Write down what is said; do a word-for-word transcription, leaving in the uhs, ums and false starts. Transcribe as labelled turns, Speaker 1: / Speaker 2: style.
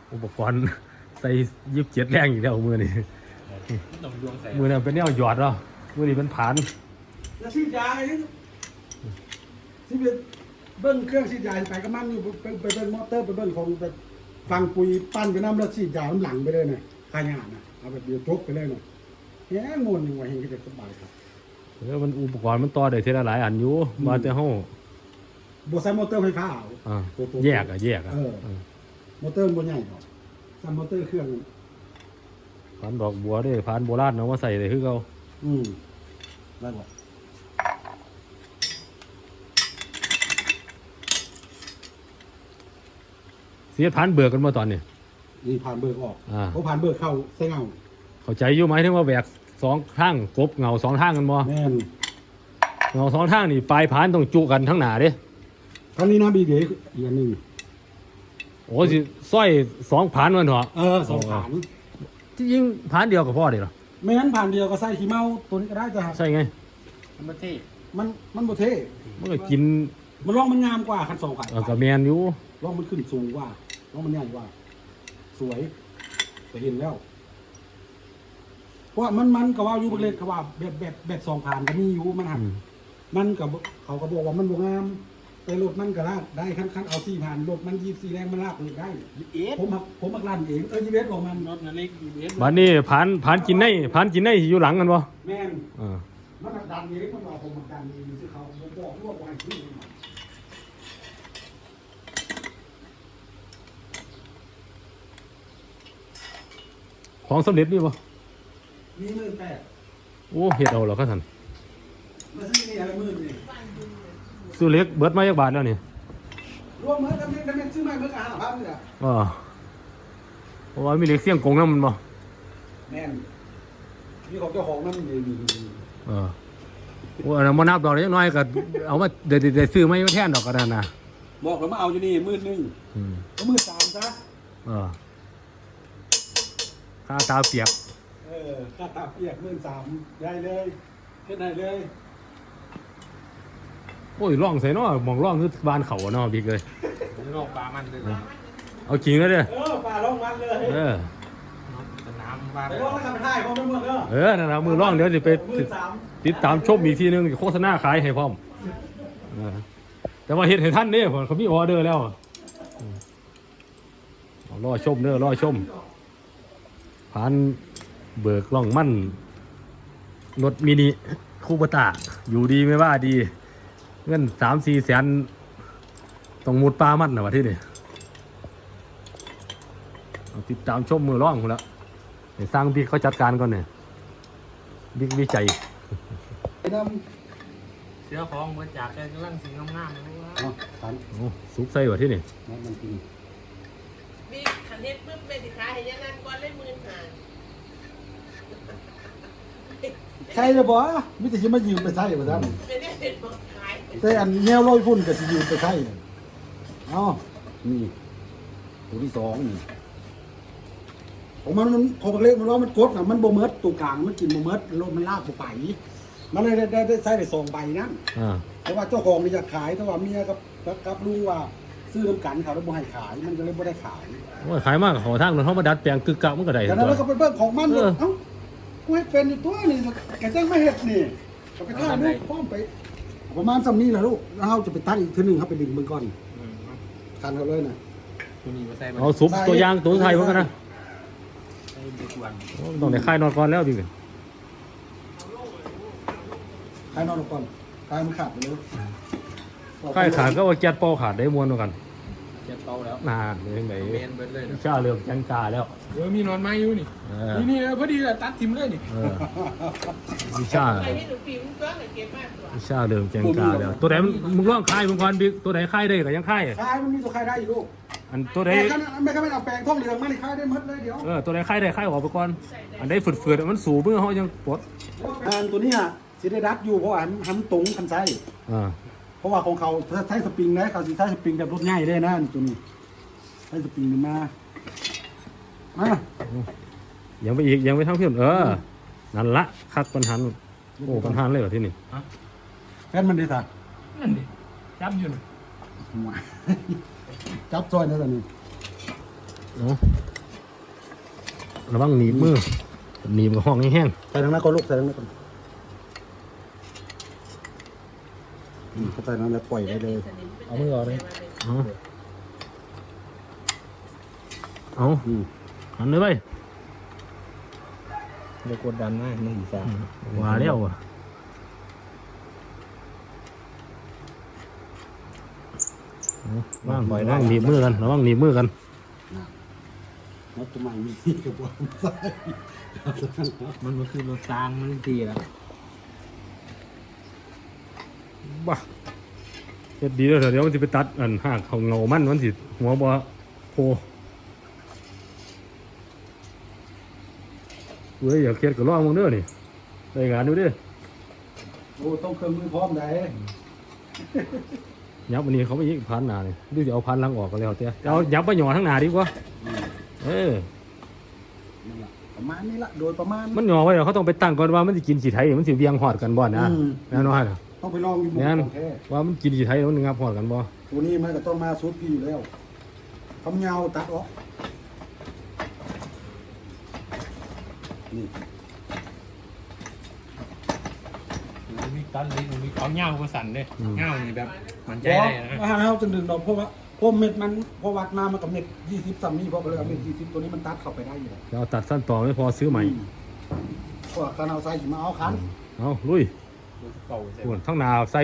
Speaker 1: อุปกรณ์ใส่ยิบเจ็ดแรงอีกแล้วมือนี่มือนี่เป็นแนวหยอดเนาะมือนี่เป็นผาน
Speaker 2: แล้วซีดยาไงซีดเบิ้ลเครื่องซีดยาไปก็มันอยู่ไปไปเบิ้ลมอเตอร์ไปเบิ้ลของแบบฟังปุ๋ยปั้นไปน้ำแล้วซีดยาน้ำหลังไปเลยเนี่ยขายงานนะเอาแบบเดียวจบไปเลยเนาะแง่งวนยังไงเห็นก็จะสบายครับ
Speaker 1: แล้วมันอุปกรณ์มันต่อได้ทีละหลายอันอยู่มาแต่ห้อง
Speaker 2: บวใส่มอเตอร์ไฟฟ้า
Speaker 1: เอาแยกอะแยกอะ
Speaker 2: มอเตอร์บนใหญ่หรอกใส่มอเตอร์เครื่อง
Speaker 1: ผ่านดอกบัวด้วยผ่านโบราณเนาะมาใส่เลยคือเขา
Speaker 2: อืมได้หมด
Speaker 1: เสียผ่านเบิกกันมาตอนนี้
Speaker 2: นี่ผ่านเบิกออกเขาผ่านเบิกเข้าใส่เงา
Speaker 1: เข้าใจอยู่ไหมถึงว่าแบกสองทางกบเงาสองทางกันบ่
Speaker 2: แม่น
Speaker 1: เงาสองทางนี่ปลายผ่านต้องจุกันทั้งหนาเด้
Speaker 2: ครั้งนี้นะบีเดียอีกอันหนึ่ง
Speaker 1: โอ้สิสร้อยสองผ่านมันเหรอ
Speaker 2: เออสองผ่าน
Speaker 1: ที่ยิงผ่านเดียวกับพ่อเดียว
Speaker 2: ไม่งั้นผ่านเดียวก็ใส่ขี้เมาตัวนี้ก็ได้จ้ะ
Speaker 1: ใช่ไง
Speaker 2: มันโบเท่มันมันโบเท่
Speaker 1: มันก็กิน
Speaker 2: มันร่องมันงามกว่าคันสองขา
Speaker 1: ก็แมนอยู่
Speaker 2: ร่องมันขึ้นสูงกว่าร่องมันใหญ่กว่าสวยแต่เห็นแล้วเพราะมันมันก็ว่าอยู่เล็กก็ว่าแบบแบบแบบสองผ่านก็มีอยู่มันหักมันกับเขาก็บอกว่ามันโบงามแต่รถมันก็ลากได้ขั้นขั้นเอาสี่ผ่านรถมันยี่สี่แรงมันลากเลยได้ผมผมมักลั่นเองเออยี่เวสบอกมันรถนั่นเล็กยี่เวส
Speaker 1: บ้านนี้ผ่านผ่านกินได้ผ่านกินได้อยู่หลังกันบ่
Speaker 2: แม่นมันดันเองมันบอกผมดันเองที่เขาบอกว่าไว้ที่
Speaker 1: ของสำเร็จนี่บ่
Speaker 2: มีหมื่นแปด
Speaker 1: โอ้เฮ็ดเอาเหรอครับท่าน
Speaker 2: มาซื้อนี่อะไรหมื่นนี่
Speaker 1: ซื้อเล็กเบิดมาจากบาทแล้วนี่
Speaker 2: รวมเมื่อทำเล็กทำเล็กซื้อมาเมื่อการหาพันเลยอ่ะ
Speaker 1: อ๋อเพราะว่ามีเล็กเสี่ยงกงนั่นมันบ่
Speaker 2: แม่นมีของเจ้าของนั่นมีมี
Speaker 1: เออโอ้อันนั้นมานับดอกเล็กน้อยก็เอามาเดี๋ยวเดี๋ยวซื้อไม่มาแทนดอกกระดานนะ
Speaker 2: บอกแล้วมาเอาอยู่นี่หมื่นหนึ่งก็หมื่นสามซะ
Speaker 1: เออค่าตาเปียก
Speaker 2: เออค่าตาเปียกหมื่นสามได้เลยเฮ็ดได้เลย
Speaker 1: โอ้ยร่องใส่เนาะมองร่องคือบ้านเขาเนาะบิ๊กเลย
Speaker 3: ร่องปลามันเลย
Speaker 1: เอาจริงแล้วเด้อ
Speaker 2: เออปลาร่องมันเลย
Speaker 1: เออ
Speaker 3: น้ำปลา
Speaker 2: ไปร่องแล้วทำท่ายพร้อมไปหมดเด้อ
Speaker 1: เออนั่นนะมือร่องเดี๋ยวจะไปติดตามชมอีกทีนึงโฆษณาขายให้พร้อมแต่ว่าเฮ็ดให้ท่านเนี่ยเขามีออเดอร์แล้วรอชมเด้อรอชมผ่านเบิกล่องมั่นรถมินิคูปต้าอยู่ดีไม่ว่าดีเงินสามสี่แสนต้องมุดปลามันนะวะที่นี่ติดตามชมมือร่องคนละเดี๋ยวสร้างบิ๊กเขาจัดการก่อนเนี่ยบิ๊กวิจัย
Speaker 3: เสื้อของมาจากแกกำลังสีงามๆเลยว่า
Speaker 1: ซุปใส่วะที่นี่
Speaker 4: มีขันเฮ็ดปึ๊บเป็นสิขาเห็นยังงั้นก้อนเล่นมือหาง
Speaker 2: ใช่เลยบ่มิแต่จะมายืมไปใช่ป่ะท่านแต่อันแนวลอยพุ่นก็จะยืมไปใช่อ๋อนี่ตัวที่สองนี่ของมันมันของเล็กมันว่ามันกดนะมันโบเมิร์ดตัวกลางมันกินโบเมิร์ดรถมันลากไปมันเลยได้ได้ใช้ได้สองใบนั่นแต่ว่าเจ้าของนี่อยากขายแต่ว่าเมียกับกับลุงว่าซื้อน้ำกันเขาแล้วบ่ให้ขายมันก็เลยไม่ได้ขาย
Speaker 1: ว่าขายมากขอทางเขามาดัดแปลงกึกกักมันก็ได้
Speaker 2: แต่นั้นเราก็เป็นเรื่องของมันเอ้ากูให้เป็นอยู่ตัวนี่แกจ้างไม่เห็ดนี่ก็ไปฆ่าลูกป้อมไปประมาณสำนี้แหละลูกแล้วเราจะไปตั้งอีกทีหนึ่งครับไปดึงมือก่อนกันเขาเลยนะ
Speaker 1: เอาซุปตัวย่างตัวไทยเหมือนกันนะต้องในค่ายนอนก่อนแล้วดิ
Speaker 2: ค่ายนอนก่อนค่ายมันขาดไปเลย
Speaker 1: ค่ายขาดก็ว่าแก๊สเป่าขาดได้ม้วนเหมือนกัน
Speaker 3: แก๊สเป่าแล้ว
Speaker 1: นานเลยไหนชาเริ่มแกงกาแล้ว
Speaker 3: เออมีนอนไม้อยู่นี่นี่นี่พอดีเลยตัดทิมเลยนี่
Speaker 1: วิชาวิชาเริ่มแกงกาแล้วตัวไหนมึงร่องค่ายมึงก่อนบิ๊กตัวไหนค่ายได้ก็ยังค่าย
Speaker 2: ค่ายมันมีตัวค่ายได้อยู่ลูก
Speaker 1: อันตัวไหน
Speaker 2: ไม่ก็ไม่เอาแปลงท่องเหลืองมาในค่ายได้หมดเลยเดี๋ยว
Speaker 1: เออตัวไหนค่ายได้ค่ายออกไปก่อนอันได้ฝืดๆมันสูบเมื่อเขายังปวด
Speaker 2: อันตัวนี้อ่ะสิได้ดัดอยู่เพราะว่าทำตรงคันไส้เพราะว่าของเขาใช้สปริงนะเขาใช้สปริงแบบรถง่ายได้นะตัวนี้ใช้สปริงมามา
Speaker 1: ยังไปอีกยังไปทั้งเพื่อนเออนั่นละคัดปัญหาโอ้ปัญหาเลยเหรอที่นี่
Speaker 2: แค่มันดีสัก
Speaker 3: นั่นดิจับอยู่
Speaker 2: จับซอยนั่นแหละนี่
Speaker 1: เอาระวังหนีบมือหนีบกับห้องแห้ง
Speaker 2: ใส่ทางนั้นก็ลูกใส่ทางนั้นก่อนอืมเข้าใส่นั้นแล้วปล่อยไว้เลย
Speaker 3: เอามือออกเลย
Speaker 1: ๆเอาเอา
Speaker 2: อืม
Speaker 1: หันเลยไป
Speaker 3: เดี๋ยวกดดันนะมันอีสาน
Speaker 1: ว่าแล้วอ่ะเอาว่างว่างหนีบมือกันระวังหนีบมือกัน
Speaker 2: แล้วทำไมมีที่กับว่าใส่
Speaker 3: มันมันคือรถจางมันดีแล้ว
Speaker 1: บ้าเฮ็ดดีแล้วเถอะเดี๋ยวมันสิไปตัดอันหากเขาเงามันมันสิหัวบ่โพเว้ยอย่าเครียดกับร้องมึงเด้อนี่ได้งานดูดิ
Speaker 2: โอ้ต้องเครื่องมือพร้อมไหน
Speaker 1: ยับวันนี้เขาไปยิงพันหนานี่ดูจะเอาพันหลังออกก็แล้วเตี้ยเอายับไปหย่อทั้งหนาดีกว่า
Speaker 2: อืม
Speaker 1: เออ
Speaker 2: นั่นล่ะประมาณนี้ละโดยประมาณ
Speaker 1: มันหย่อไว้เดี๋ยวเขาต้องไปตั้งก่อนว่ามันสิกินสีไทยมันสิเวียงหอดกันบ่นะ
Speaker 2: อืม
Speaker 1: แน่นอนเหรอ
Speaker 2: ต้องไปลองอยู่บน
Speaker 1: แน่น
Speaker 2: ของแท้
Speaker 1: ว่ามันกินสีไทยแล้วมันงับหอดกันบ่
Speaker 2: ตัวนี้มันก็ต้องมาซุดพี่อยู่แล้วทำเงาตัดออกนี่
Speaker 3: มันมีตันลิ้นมันมีเขาเงาก็สั่นเลยเงานี่แบบมันใจ
Speaker 2: เพราะ
Speaker 3: ได้นะ
Speaker 2: อาหารเราจะดึงดอกเพราะว่าเพราะเม็ดมันพอวัดมามันกับเม็ดยี่สิบซัมนี่เพราะก็เลยเอาเม็ดยี่สิบตัวนี้มันตัดเข้าไปได้อยู่แล้ว
Speaker 1: จะเอาตัดสั้นต่อไม่พอซื้อใหม่
Speaker 2: พวกการเอาใส่มาเอาคัน
Speaker 1: เอาลุย
Speaker 3: เก่าใช่
Speaker 1: ส่วนทั้งหนาใส่